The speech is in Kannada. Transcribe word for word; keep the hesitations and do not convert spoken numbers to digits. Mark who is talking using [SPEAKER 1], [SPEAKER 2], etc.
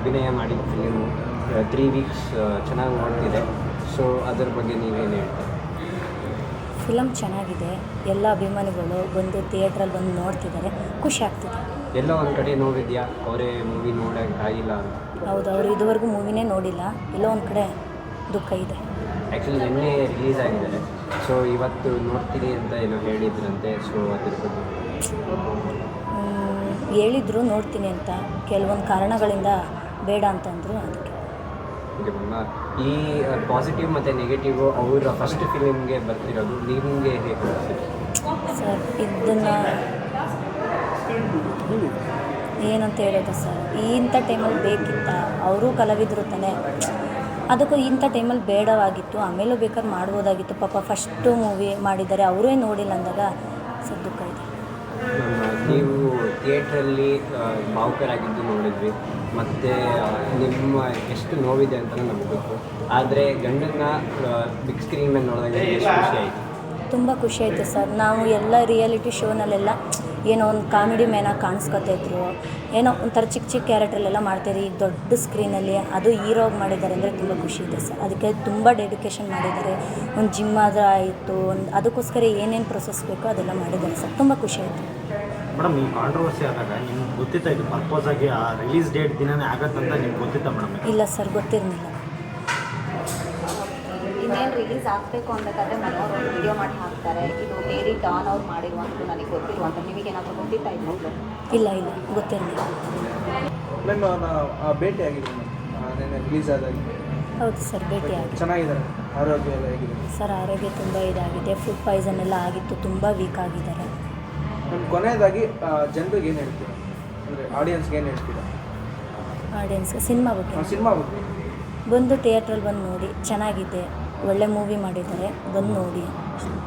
[SPEAKER 1] ಅಭಿನಯ ಮಾಡಿದ ಫಿಲಿಮು ತ್ರೀ ವೀಕ್ಸ್ ಚೆನ್ನಾಗಿ ನೋಡ್ತಿದೆ. ಸೊ ಅದ್ರ ಬಗ್ಗೆ ನೀವೇನು ಹೇಳ್ತೀರಿ?
[SPEAKER 2] ಫಿಲಮ್ ಚೆನ್ನಾಗಿದೆ, ಎಲ್ಲ ಅಭಿಮಾನಿಗಳು ಬಂದು ಥಿಯೇಟ್ರಲ್ಲಿ ಬಂದು ನೋಡ್ತಿದ್ದಾರೆ, ಖುಷಿ ಆಗ್ತಿದೆ.
[SPEAKER 1] ಎಲ್ಲ ಒಂದು ಕಡೆ ನೋಡಿದ್ಯಾ ಅವರೇ ಮೂವಿ ನೋಡೋಕೆ ಆಗಿಲ್ಲ ಅಂತ?
[SPEAKER 2] ಹೌದು, ಅವರು ಇದುವರೆಗೂ ಮೂವಿನೇ ನೋಡಿಲ್ಲ, ಎಲ್ಲೋ ಒಂದು ಕಡೆ ದುಃಖ ಇದೆ.
[SPEAKER 1] ಆ್ಯಕ್ಚುಲಿ ನಿನ್ನೆ ರಿಲೀಸ್ ಆಗಿದ್ದಾರೆ, ಸೊ ಇವತ್ತು ನೋಡ್ತೀನಿ ಅಂತ ಏನೋ ಹೇಳಿದ್ರಂತೆ. ಸೊ ಅದ್ರ ಬಗ್ಗೆ
[SPEAKER 2] ಹೇಳಿದ್ರು ನೋಡ್ತೀನಿ ಅಂತ, ಕೆಲವೊಂದು ಕಾರಣಗಳಿಂದ ಬೇಡ ಅಂತಂದರು, ಅದಕ್ಕೆ.
[SPEAKER 1] ಓಕೆ ಮ್ಯಾಮ್, ಈ ಪಾಸಿಟಿವ್ ಮತ್ತು ನೆಗೆಟಿವ್ ಅವರ ಫಸ್ಟ್ ಫಿಲಿಮ್ಗೆ ಬರ್ತಿರೋದು ನಿಮಗೆ ಹೇಗೆ ಅನಿಸಿದೆ?
[SPEAKER 2] ಸರ್ ಇದನ್ನು ಏನಂತ ಹೇಳೋದು ಸರ್, ಇಂಥ ಟೈಮಲ್ಲಿ ಬೇಕಿತ್ತ? ಅವರೂ ಕಲಾವಿದರು ತಾನೆ, ಅದಕ್ಕೂ ಇಂಥ ಟೈಮಲ್ಲಿ ಬೇಡವಾಗಿತ್ತು, ಆಮೇಲೂ ಬೇಕಾದ್ರೆ ಮಾಡ್ಬೋದಾಗಿತ್ತು. ಪಾಪ ಫಸ್ಟು ಮೂವಿ ಮಾಡಿದ್ದಾರೆ, ಅವರೇ ನೋಡಿಲ್ಲ ಅಂದಾಗ ಸರ್ ದುಃಖ ಇದೆ.
[SPEAKER 1] ನೀವು ಥಿಯೇಟ್ರಲ್ಲಿ ಭಾವುಕರಾಗಿದ್ದು ನೋಡಿದ್ವಿ, ಮತ್ತು ನಿಮ್ಮ ಎಷ್ಟು ನೋವಿದೆ ಅಂತಲೂ ನಮಗೆ ಗೊತ್ತು. ಆದರೆ ಗಂಡನ್ನ ಬಿಗ್ ಸ್ಕ್ರೀನ್ ಮೇಲೆ ನೋಡಿದಾಗ ಎಷ್ಟು ಖುಷಿ ಆಯಿತು?
[SPEAKER 2] ತುಂಬ ಖುಷಿ ಆಯಿತು ಸರ್. ನಾವು ಎಲ್ಲ ರಿಯಾಲಿಟಿ ಶೋನಲ್ಲೆಲ್ಲ ಏನೋ ಒಂದು ಕಾಮಿಡಿ ಮ್ಯಾನಾಗಿ ಕಾಣಿಸ್ಕೊತಾಯಿದ್ರು, ಏನೋ ಒಂಥರ ಚಿಕ್ಕ ಚಿಕ್ಕ ಕ್ಯಾರೆಕ್ಟ್ರಲ್ಲೆಲ್ಲ ಮಾಡ್ತಾಯಿದ್ರು. ಈಗ ದೊಡ್ಡ ಸ್ಕ್ರೀನಲ್ಲಿ ಅದು ಹೀರೋಗಿ ಮಾಡಿದ್ದಾರೆ ಅಂದರೆ ತುಂಬ ಖುಷಿ ಇದೆ ಸರ್. ಅದಕ್ಕೆ ತುಂಬ ಡೆಡಿಕೇಶನ್ ಮಾಡಿದ್ದಾರೆ. ಒಂದು ಜಿಮ್ ಆದರೂ ಆಯಿತು, ಒಂದು ಅದಕ್ಕೋಸ್ಕರ ಏನೇನು ಪ್ರೊಸೆಸ್ ಬೇಕೋ ಅದೆಲ್ಲ ಮಾಡಿದ್ದಾರೆ ಸರ್. ತುಂಬ ಖುಷಿ ಆಯಿತು.
[SPEAKER 3] ಮೇಡಮ್, ಈ ಕಾಂಟ್ರವರ್ಸಿ ಆದಾಗ ನಿಮ್ಗೆ ಗೊತ್ತಿತ್ತಾ ಇದು ಪರ್ಪೋಸ್ ಆಗಿ ಆ ರಿಲೀಸ್ ಡೇಟ್ ದಿನನೇ ಆಗತ್ತಂತ ನಿಮ್ಗೆ ಗೊತ್ತಿತ್ತಾ ಮೇಡಮ್?
[SPEAKER 2] ಇಲ್ಲ ಸರ್, ಗೊತ್ತಿರಲಿಲ್ಲ.
[SPEAKER 4] ಇನ್ನೇನು ರಿಲೀಸ್ ಆಗಬೇಕು ಅಂಬೇಕಾದ್ರೆ ಮನೆಯವರು ಒಂದು ವಿಡಿಯೋ ಮಾಡಿ ಹಾಕ್ತಾರೆ, ಇದು ಮೇರಿ ಡಾನ್ ಅವ್ರು ಮಾಡಿರುವಂಥದ್ದು ನನಗೆ ಗೊತ್ತಿರುವಂಥ, ನಿಮಗೇನಾದರೂ ಗೊತ್ತಿತ್ತಾ ಇದು?
[SPEAKER 2] ಇಲ್ಲ ಇಲ್ಲ ಗೊತ್ತಿರಲಿಲ್ಲ.
[SPEAKER 5] ಮ್ಯಾಮ್ ಭೇಟಿ ಆಗಿದೆ ನೆನ್ನೆ ರಿಲೀಸ್ ಆದಾಗ?
[SPEAKER 2] ಹೌದು ಸರ್, ಭೇಟಿ ಆಗಿದೆ.
[SPEAKER 5] ಚೆನ್ನಾಗಿದ್ದಾರೆ, ಆರೋಗ್ಯ ಎಲ್ಲ ಹೇಗಿದೆ?
[SPEAKER 2] ಸರ್ ಆರೋಗ್ಯ ತುಂಬ ಇದಾಗಿದೆ, ಫುಡ್ ಪಾಯ್ಸನ್ ಎಲ್ಲ ಆಗಿತ್ತು, ತುಂಬ ವೀಕ್ ಆಗಿದ್ದಾರೆ.
[SPEAKER 5] ನಮ್ಮ ಕೊನೆಯದಾಗಿ ಜನರಿಗೆ ಏನು ಹೇಳ್ತೀರಾ, ಅಂದರೆ ಆಡಿಯನ್ಸ್ಗೆ ಏನು ಹೇಳ್ತೀರಾ?
[SPEAKER 2] ಆಡಿಯನ್ಸ್ಗೆ ಸಿನಿಮಾ ಬಗ್ಗೆ
[SPEAKER 5] ಸಿನಿಮಾ ಬಗ್ಗೆ
[SPEAKER 2] ಬಂದು ಥಿಯೇಟ್ರಲ್ಲಿ ಬಂದು ನೋಡಿ, ಚೆನ್ನಾಗಿದೆ, ಒಳ್ಳೆ ಮೂವಿ ಮಾಡಿದ್ದಾರೆ, ಬಂದು ನೋಡಿ.